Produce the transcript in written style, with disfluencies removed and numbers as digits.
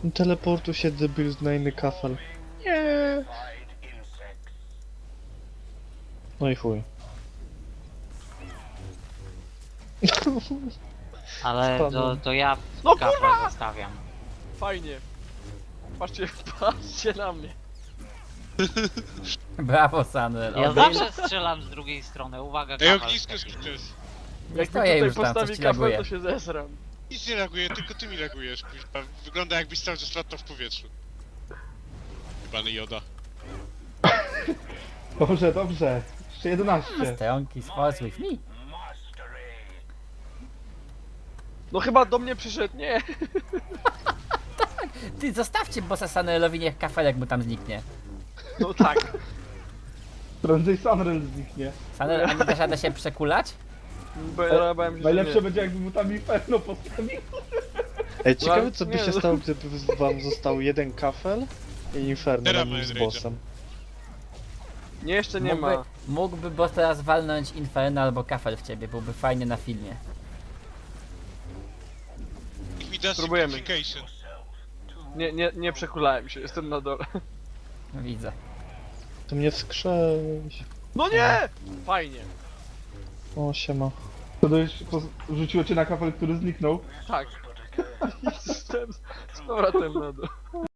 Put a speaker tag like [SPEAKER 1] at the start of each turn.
[SPEAKER 1] Teleportu się debil na inny kafel. Nie. No i chuj.
[SPEAKER 2] Ale
[SPEAKER 1] Spadłem.
[SPEAKER 2] to ja
[SPEAKER 3] No
[SPEAKER 2] kafla
[SPEAKER 3] kurwa!
[SPEAKER 2] zostawiam.
[SPEAKER 3] Fajnie. Patrzcie, patrzcie na mnie.
[SPEAKER 4] Brawo, Samuel.
[SPEAKER 2] Ja
[SPEAKER 4] Odejdź.
[SPEAKER 2] zawsze strzelam z drugiej strony, uwaga,
[SPEAKER 5] Ej,
[SPEAKER 2] kafel
[SPEAKER 5] ognisko
[SPEAKER 2] wchodzi.
[SPEAKER 5] skróciłeś.
[SPEAKER 4] Nie
[SPEAKER 3] Jak mi
[SPEAKER 4] stoję
[SPEAKER 3] tutaj
[SPEAKER 4] już tam, coś
[SPEAKER 3] postawi
[SPEAKER 4] ci
[SPEAKER 3] kafel,
[SPEAKER 4] laguje.
[SPEAKER 3] to się zesram.
[SPEAKER 5] Nic nie reaguje, tylko ty mi reagujesz, kuźwa. Wygląda jakbyś cały czas latał w powietrzu. Pany Joda.
[SPEAKER 6] Dobrze, dobrze. Jeszcze 11.
[SPEAKER 4] Stronki, sports with me.
[SPEAKER 3] No chyba do mnie przyszedł, nie.
[SPEAKER 4] Ty, zostawcie bossa Samuelowi, niech kafelek mu tam zniknie.
[SPEAKER 3] No tak.
[SPEAKER 6] Prędzej Sunrail zniknie.
[SPEAKER 4] Samuel, a nie dasz rady się przekulać?
[SPEAKER 3] Bo ja bałem się, że
[SPEAKER 6] Najlepsze
[SPEAKER 3] nie.
[SPEAKER 6] będzie jakby mu tam Inferno postawił.
[SPEAKER 1] Ej, ciekawe co by
[SPEAKER 3] nie,
[SPEAKER 1] się
[SPEAKER 3] no.
[SPEAKER 1] stało, gdyby wam został jeden kafel i Inferno
[SPEAKER 5] Teraz
[SPEAKER 1] razem z
[SPEAKER 5] Main
[SPEAKER 1] bossem.
[SPEAKER 3] Nie, jeszcze nie ma.
[SPEAKER 4] Mógłby boss teraz walnąć Inferno albo kafel w ciebie, byłby fajnie na filmie.
[SPEAKER 5] Niech mi da
[SPEAKER 3] Spróbujemy.
[SPEAKER 5] simplification.
[SPEAKER 3] Nie przekulałem się, jestem na dole.
[SPEAKER 4] Widzę.
[SPEAKER 1] To mnie wskrzeć.
[SPEAKER 3] No nie! Fajnie.
[SPEAKER 1] O, siema.
[SPEAKER 6] To już rzuciło cię na kafel, który zniknął.
[SPEAKER 3] Tak. Jestem z powrotem na dole.